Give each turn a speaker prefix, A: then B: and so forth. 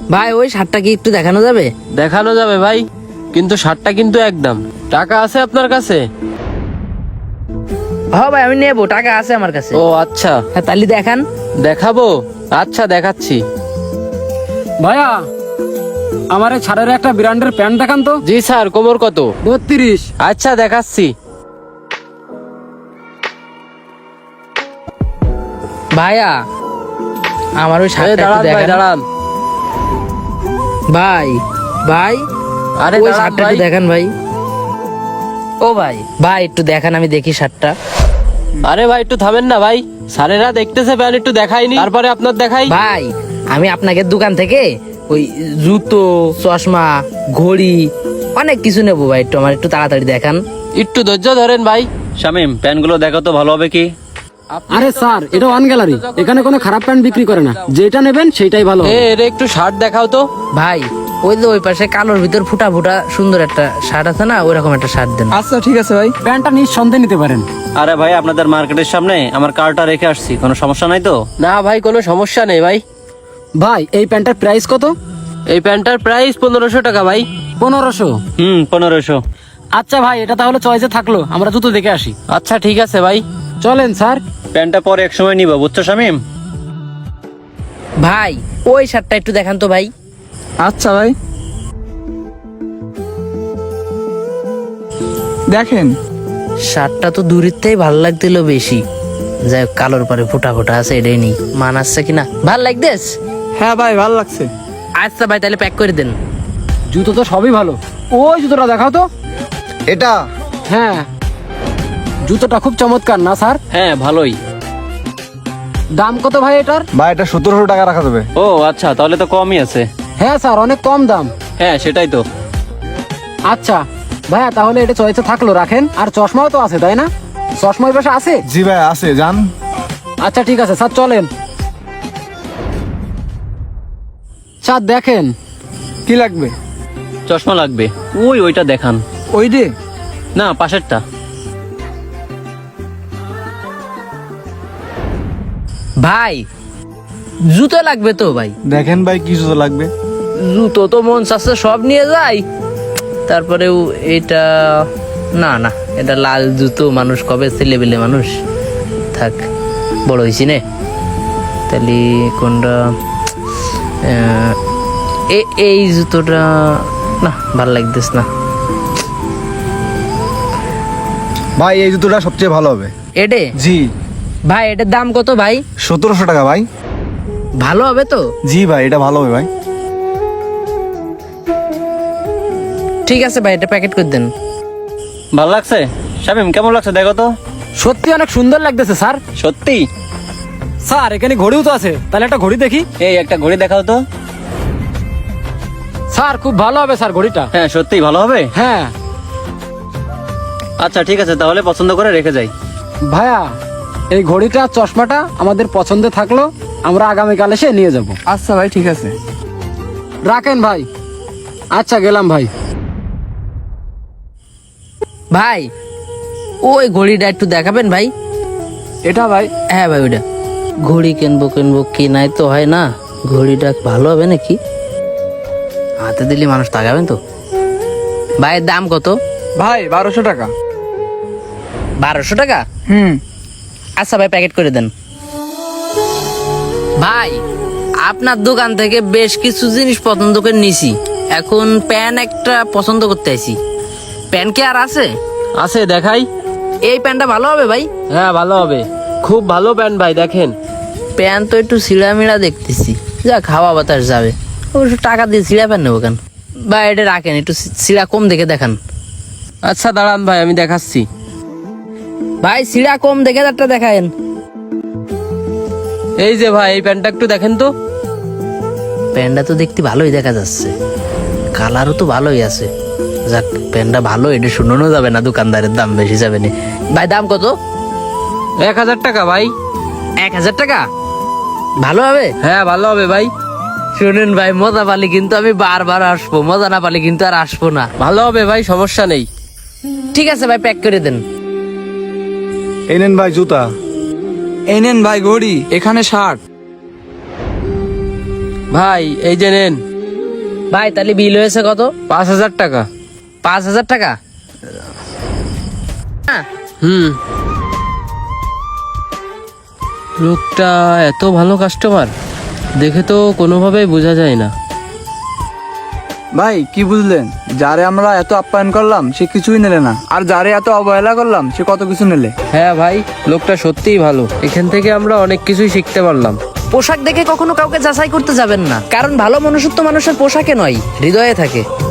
A: ভাই ওই শার্টটা কি একটু দেখানো যাবে?
B: দেখানো যাবে ভাই, কিন্তু শার্টটা কিন্তু একদম। টাকা আছে আপনার কাছে?
A: হ্যাঁ ভাই আমি নেবো, টাকা আছে আমার কাছে।
B: ও আচ্ছা,
A: হ্যাঁ তাহলে দেখান।
B: দেখাবো, আচ্ছা দেখাচ্ছি।
C: ভাইয়া আমার এই ছাড়ের একটা ব্র্যান্ডের প্যান্ট দেখান তো।
B: জি স্যার, কোমর কত?
C: 32।
B: আচ্ছা দেখাচ্ছি।
A: ভাইয়া আমার ওই
B: এই
A: শার্টটা একটু
B: দাঁড়ান ভাই,
A: দেখান।
B: দাঁড়ান।
A: ভাই ভাই
B: আরে
A: ওই
B: দাঁড়ান
A: শার্টটা
B: ভাই।
A: একটু দেখান ভাই। ও ভাই ভাই একটু দেখান, আমি দেখি শার্টটা।
B: আরে ভাই একটু থামেন না ভাই, স্যারেরা দেখতেছে প্যান্ট, একটু দেখাইনি, তারপরে আপনার দেখাই।
A: ভাই আমি আপনাকে দোকান থেকে ওই জুতো, চশমা, ঘড়ি অনেক কিছু নেবো ভাই, একটু আমার একটু তাড়াতাড়ি দেখান।
B: একটু ধৈর্য ধরেন ভাই।
D: শামিম, প্যান্টগুলো দেখো তো ভালো হবে কি?
C: আরে স্যার, এটা ওয়ান গ্যালারি, এখানে কোনো খারাপ প্যান্ট বিক্রি করে না, যেটা নেবেন সেটাই ভালো হবে।
B: এর একটু শার্ট দেখাও তো।
A: ভাই ওই যে ওই পাশে কালোর ভিতর ফুটা ফুটা সুন্দর একটা শার্ট আছে না, ওইরকম একটা শার্ট দেন।
C: আচ্ছা ঠিক আছে ভাই, প্যান্টটা নিঃসন্দেহে নিতে পারেন।
D: আরে ভাই, আপনাদের মার্কেটের সামনে আমার কারটা রেখে আসছি, কোনো সমস্যা নাই তো?
B: না ভাই, কোনো সমস্যা নেই ভাই।
C: ভাই এই প্যান্টের প্রাইস কত?
B: এই প্যান্টটার প্রাইস 1500 টাকা ভাই।
C: 1500।
D: 1500।
C: আচ্ছা ভাই, এটা তাহলে চয়েসে থাকলো, আমরা জুতো দেখে আসি।
B: আচ্ছা ঠিক আছে ভাই।
C: চলেন স্যার।
D: প্যান্টটা পরে এক সময় নিব, বুঝছো শামিম?
A: ভাই ওই শার্টটা একটু দেখান তো ভাই।
E: আচ্ছা ভাই দেখেন।
A: শার্টটা তো দূরের থেকেই ভালো লাগছিল বেশি, যাই হোক কালোর পরে ফুটা ফুটা আছে, এটাই নি মানাচ্ছে কিনা, ভাল লাগতেস।
E: হ্যাঁ ভাই ভালো লাগছে।
A: আচ্ছা ভাই তাহলে প্যাক করে দেন।
C: জুতো তো সবই ভালো, ওই জুতোটা দেখাও তো।
E: এটা
C: হ্যাঁ, জুতোটা খুব চমৎকার না স্যার?
B: হ্যাঁ ভালোই।
C: দাম কত ভাই এটার?
E: ভাই এটা 1700 টাকা রাখা যাবে।
D: ও আচ্ছা, তাহলে তো কমই আছে।
C: হ্যাঁ স্যার, অনেক কম দাম।
D: হ্যাঁ সেটাই তো।
C: আচ্ছা ভাইয়া, তাহলে এটা চয়েসে থাকলো, রাখেন। আর চশমাও তো আছে তাই না? চশমা ওই পাশে আছে?
E: জি ভাই আছে, যান।
C: আচ্ছা ঠিক আছে স্যার, চলেন। স্যার দেখেন।
E: কি লাগবে?
D: চশমা লাগবে, ওইটা দেখান।
E: ওই রে।
D: না, পাশেরটা।
A: ভাই জুতো লাগবে তো ভাই?
E: দেখেন ভাই কি জুতো লাগবে।
A: জুতো তো মন চাচ্ছে সব নিয়ে যাই, তারপরেও এটা না না, এটা লাল জুতো, মানুষ কবে ছেলেবেলে মানুষ, থাক বড় হয়েছি নে। তাহলে কোনটা? এই জুতোটা না, ভাল লাগতেছ না
E: ভাই এই জুতোটা সবচেয়ে ভালো হবে।
A: এডে।
E: জি।
A: ভাই এটার দাম কত ভাই?
E: 1700 টাকা ভাই।
A: ভালো হবে তো?
E: জি ভাই এটা ভালো হবে ভাই।
A: ঠিক আছে ভাই, এটা প্যাকেট করে দেন।
D: ভালো লাগছে? শামিম কেমন লাগছে দেখো তো।
C: সত্যি অনেক সুন্দর লাগতেছে স্যার।
D: সত্যি?
C: স্যার এখানে ঘড়িও তো আছে, তাহলে একটা ঘড়ি দেখি।
D: এই একটা ঘড়ি দেখাও তো।
C: স্যার খুব ভালো হবে স্যার ঘড়িটা।
D: হ্যাঁ সত্যিই ভালো হবে।
C: হ্যাঁ
D: আচ্ছা ঠিক আছে, তাহলে পছন্দ করে রেখে যাই।
C: ভাইয়া, এই ঘড়িটা চশমাটা আমাদের পছন্দে থাকলো, আমরা আগামীকাল এসে নিয়ে যাব।
E: আচ্ছা ভাই ঠিক আছে।
C: রাখেন ভাই। আচ্ছা গেলাম ভাই।
A: ভাই ওই ঘড়িটা একটু দেখাবেন ভাই।
E: এটা ভাই।
A: হ্যাঁ ভাই ওইটা। ঘড়ি কিনবো কিনাই তো হয় না, ঘড়িটা ভালো হবে নাকি? হাতে দিলে মানুষ তাকাবেন তো। ভাইয়ের দাম কত?
E: ভাই 1200 টাকা।
A: 1200 টাকা?
E: হুম।
A: আচ্ছা ভাই প্যাকেট করে দেন। ভাই আপনার দোকান থেকে বেশ কিছু জিনিস পছন্দ করে নিছি, এখন প্যান একটা পছন্দ করতে আইছি। প্যান কি আর আছে?
B: আছে, দেখাই।
A: এই প্যান্টটা ভালো হবে ভাই?
B: হ্যাঁ ভালো হবে, খুব ভালো প্যান্ট ভাই, দেখেন।
A: প্যান তো একটু ছিঁড়ামিড়া দেখতেছি, যা খাওয়া বাতাস যাবে, অবশ্য টাকা দিয়ে ছিঁড়া প্যান নেবো কেন? ভাই এটা রাখেন, একটু ছিঁড়া কম দেখে দেখান।
B: আচ্ছা দাঁড়ান ভাই, আমি দেখাচ্ছি।
A: ভাই ছিঁড়া কম দেখে একটা দেখায়েন।
B: এই যে ভাই, এই প্যান্টটা একটু দেখেন তো।
A: প্যান্টটা তো দেখতে ভালোই দেখা যাচ্ছে, কালারও তো ভালোই আছে। যাক প্যান্টটা ভালো, এটা শুনানো যাবে না, দোকানদারের দাম বেশি যাবে না। ভাই দাম কত?
B: 1000 টাকা ভাই।
A: 1000 টাকা? ভালো হবে?
B: হ্যাঁ ভালো হবে ভাই।
A: শুনেন ভাই, মজা পালি কিন্তু আমি বারবার আসবো, মজা না পালি কিন্তু আর আসবো না।
B: ভালো হবে ভাই, সমস্যা নেই।
A: ঠিক আছে ভাই, প্যাক করে দেন।
E: এই নেন ভাই জুতা।
F: এই নেন ভাই ঘড়ি, এখানে শার্ট।
B: ভাই এই যে নেন।
A: ভাই তাহলে বিল হয়েছে কত?
B: 5,000 টাকা।
A: 5,000 টাকা? হ্যাঁ।
B: লোকটা এত ভালো কাস্টমার, দেখে তো কোনোভাবেই বোঝা যায় না।
E: ভাই কি বুঝলেন, যারে আমরা এত আপ্যায়ন করলাম সে কিছুই নিলে না, আর যারে এত অবহেলা করলাম সে কত কিছু নিলে।
B: হ্যাঁ ভাই, লোকটা সত্যিই ভালো, এখান থেকে আমরা অনেক কিছুই শিখতে পারলাম।
A: পোশাক দেখে কখনো কাউকে যাচাই করতে যাবেন না, কারণ ভালো মনুষ্যত্ব মানুষের পোশাকে নয়, হৃদয়ে থাকে।